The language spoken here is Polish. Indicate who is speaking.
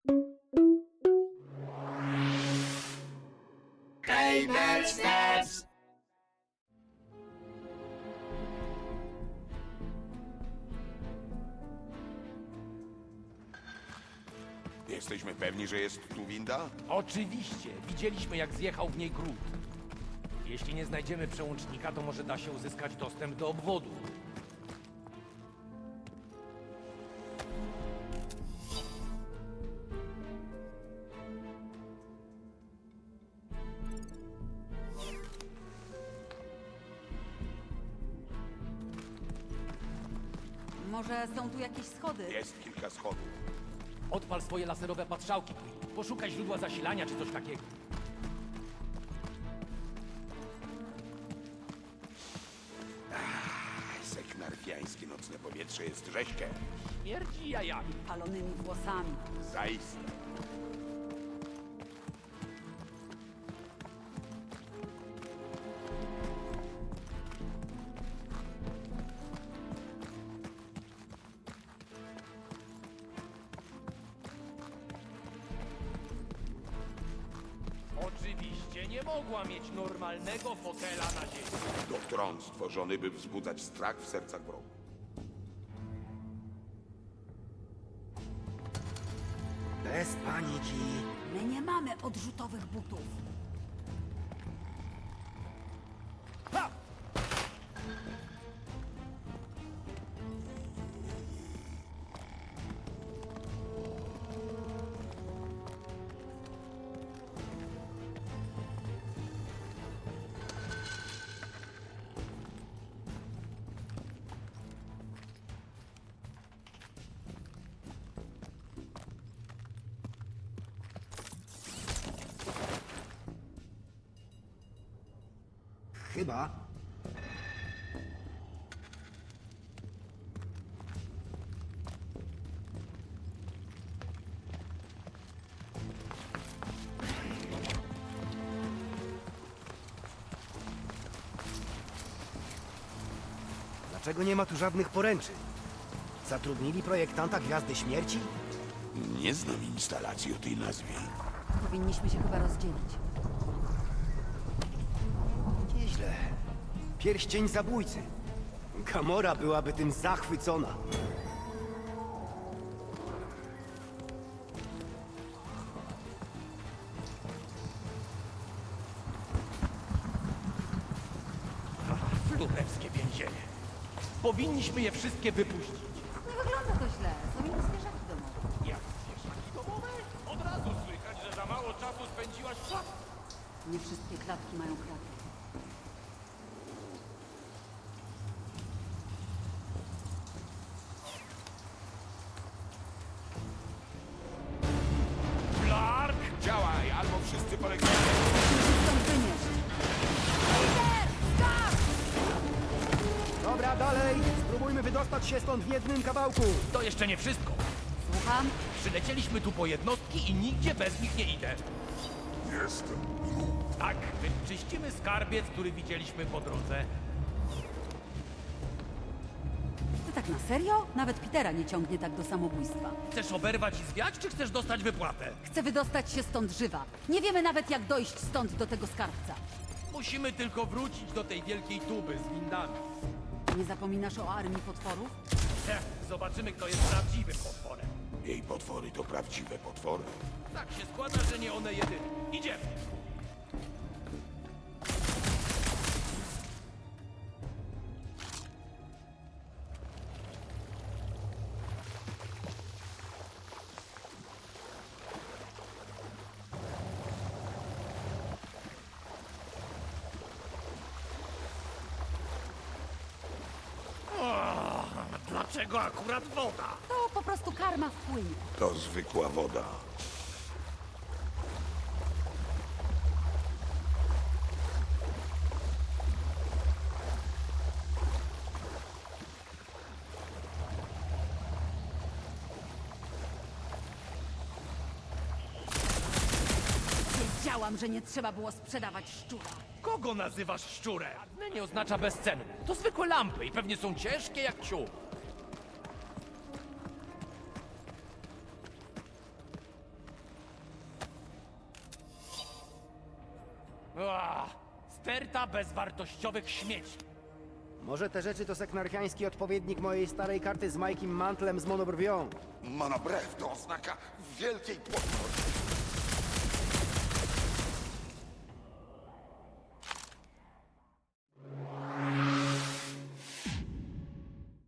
Speaker 1: Gamer Steps!
Speaker 2: Jesteśmy pewni, że jest tu winda?
Speaker 3: Oczywiście. Widzieliśmy, jak zjechał w niej Groot. Jeśli nie znajdziemy przełącznika, to może da się uzyskać dostęp do obwodu.
Speaker 4: Może są tu jakieś schody?
Speaker 2: Jest kilka schodów.
Speaker 3: Odpal swoje laserowe patrzałki, Quill. Poszukaj źródła zasilania czy coś takiego.
Speaker 2: Seknarfiańskie nocne powietrze jest rzeźkie.
Speaker 3: Śmierdzi jajami.
Speaker 4: Palonymi włosami.
Speaker 2: Zaiste.
Speaker 3: Oczywiście nie mogła mieć normalnego fotela na ziemi.
Speaker 2: To tron stworzony, by wzbudzać strach w sercach wrogów.
Speaker 5: Bez paniki.
Speaker 4: My nie mamy odrzutowych butów.
Speaker 3: Ha!
Speaker 5: Chyba. Dlaczego nie ma tu żadnych poręczy? Zatrudnili projektanta Gwiazdy Śmierci?
Speaker 2: Nie znam instalacji o tej nazwie.
Speaker 4: Powinniśmy się chyba rozdzielić.
Speaker 5: Nieźle. Pierścień zabójcy. Gamora byłaby tym zachwycona.
Speaker 3: Królewskie więzienie. Powinniśmy je wszystkie wypuścić.
Speaker 4: Nie wygląda to źle. Są inne zwierzaki domowe.
Speaker 3: Jak zwierzaki domowe? Od razu słychać, że za mało czasu spędziłaś w szafie.
Speaker 4: Nie wszystkie klatki mają kratki.
Speaker 3: Clark!
Speaker 2: Działaj, albo wszyscy polegniemy.
Speaker 4: Stąd wynieść.
Speaker 5: Dobra, dalej! Spróbujmy wydostać się stąd w jednym kawałku.
Speaker 3: To jeszcze nie wszystko.
Speaker 4: Słucham?
Speaker 3: Przylecieliśmy tu po jednostki i nigdzie bez nich nie idę.
Speaker 2: Jestem.
Speaker 3: Tak, wyczyścimy skarbiec, który widzieliśmy po drodze.
Speaker 4: Ty tak na serio? Nawet Petera nie ciągnie tak do samobójstwa.
Speaker 3: Chcesz oberwać i zwiać, czy chcesz dostać wypłatę?
Speaker 4: Chcę wydostać się stąd żywa. Nie wiemy nawet, jak dojść stąd do tego skarbca.
Speaker 3: Musimy tylko wrócić do tej wielkiej tuby z windami.
Speaker 4: Nie zapominasz o armii potworów?
Speaker 3: Zobaczymy, kto jest prawdziwym potworem.
Speaker 2: Jej potwory to prawdziwe potwory.
Speaker 3: Tak się składa, że nie one jedyne. Idziemy! Dlaczego akurat woda?
Speaker 4: To po prostu karma wpłynie.
Speaker 2: To zwykła woda.
Speaker 4: Wiedziałam, że nie trzeba było sprzedawać szczura.
Speaker 3: Kogo nazywasz szczurem? Żadne nie oznacza bezcenny. To zwykłe lampy i pewnie są ciężkie jak ciuch. Sterta bezwartościowych śmieci.
Speaker 5: Może te rzeczy to seknarchiański odpowiednik mojej starej karty z Majkiem Mantlem z monobrwią.
Speaker 2: Monobrew to oznaka wielkiej płodności.